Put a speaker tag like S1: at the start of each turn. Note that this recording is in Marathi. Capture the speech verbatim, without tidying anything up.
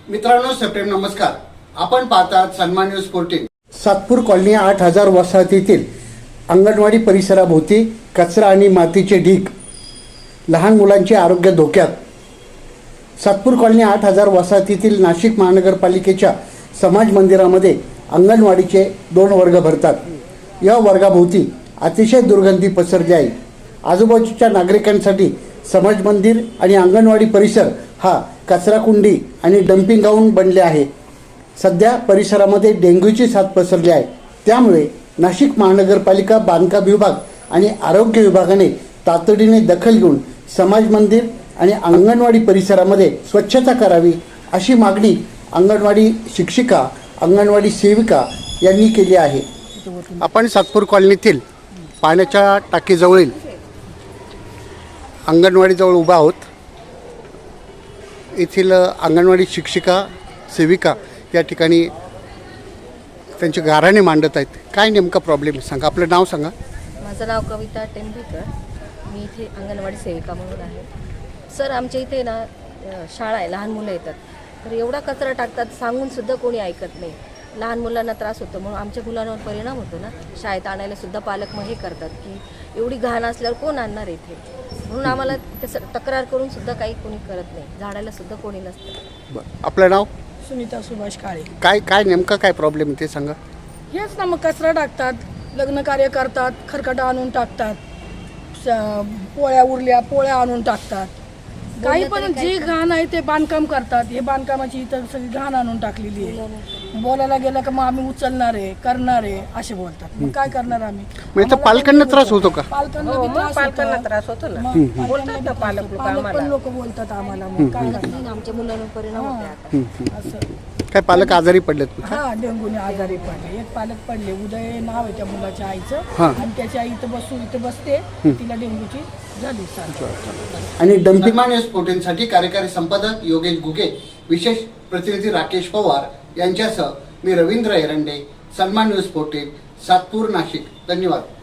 S1: मित्रांनो, सप्रेम नमस्कार. आपण पाहतात सन्मान न्यूज फोर्टीन. सातपूर कॉलनी आठ हजार वसाहतीतील अंगणवाडी परिसराभोवती कचरा आणि मातीचे ढीग, लहान मुलांचे आरोग्य धोक्यात. सातपूर कॉलनी आठ हजार वसाहतीतील नाशिक महानगरपालिकेच्या समाज मंदिरामध्ये अंगणवाडीचे दोन वर्ग भरतात. या वर्गाभोवती अतिशय दुर्गंधी पसरली आहे. आजूबाजूच्या नागरिकांसाठी समाज मंदिर आणि अंगणवाडी परिसर हा कचराकुंडी आणि डम्पिंग ग्राउंड बनले आहे. सध्या परिसरामध्ये डेंग्यूची साथ पसरली आहे. त्यामुळे नाशिक महानगरपालिका, बांधकाम विभाग आणि आरोग्य विभागाने तातडीने दखल घेऊन समाज मंदिर आणि अंगणवाडी परिसरामध्ये स्वच्छता करावी अशी मागणी अंगणवाडी शिक्षिका, अंगणवाडी सेविका यांनी केली आहे. आपण सातपूर कॉलनीतील पाण्याच्या टाकीजवळील अंगणवाडीजवळ उभा आहोत. येथील अंगणवाडी शिक्षिका, सेविका या ठिकाणी त्यांचे गाऱ्हाणे मांडत आहेत. काय नेमका प्रॉब्लेम सांगा, आपलं नाव सांगा.
S2: माझं नाव कविता टेंभेकर, मी इथे अंगणवाडी सेविका म्हणून आहे. सर, आमच्या इथे ना शाळा आहे, लहान मुलं येतात, तर एवढा कचरा टाकतात, सांगूनसुद्धा कोणी ऐकत नाही. लहान मुलांना त्रास होतो, म्हणून आमच्या मुलांवर परिणाम होतो ना. शाळेत आणायला सुद्धा पालक मग हे करतात की एवढी घाण असल्यावर कोण आणणार इथे, म्हणून आम्हाला तसं तक्रार करून सुद्धा काही कोणी करत नाही. झाडायला सुद्धा कोणी नसतं.
S1: आपलं नाव?
S3: सुनीता सुभाष काळे.
S1: काय काय नेमका काय प्रॉब्लेम ते सांगा.
S3: हेच ना, मग कचरा टाकतात, लग्न कार्य करतात, खरकटा आणून टाकतात, पोळ्या उरल्या पोळ्या आणून टाकतात, काही पण जी घाण आहे ते बांधकाम करतात. हे बांधकामाची इतर सगळी घाण आणून टाकलेली आहे. बोलायला गेलं का मग आम्ही उचलणार आहे, करणार आहे असे बोलतात. मग काय करणार आम्ही?
S1: म्हणजे पालकांना त्रास होतो का?
S3: पालकांना बी त्रास होतो ना. पालक पण लोक बोलतात आम्हाला. मग काय करणार?
S2: आमच्या मुलांवर परिणाम होते आता.
S3: असं
S1: काय पालक आजारी पडलेत?
S3: हा, डेंग्यूने आजारी पडले. एक पालक पडले, उदय नाव आहे त्या मुलाच्या आईचं, आणि त्याची आई इथं बसू इथं बसते, तिला डेंग्यूची झाली साथ.
S1: आणि डम्पिंग न्यूज फोर्टीनसाठी कार्यकारी संपादक योगेश गुगे, विशेष प्रतिनिधी राकेश पवार यांच्यासह मी रवींद्र एरंडे, सन्मान न्यूज फोर्टीन, सातपूर, नाशिक. धन्यवाद.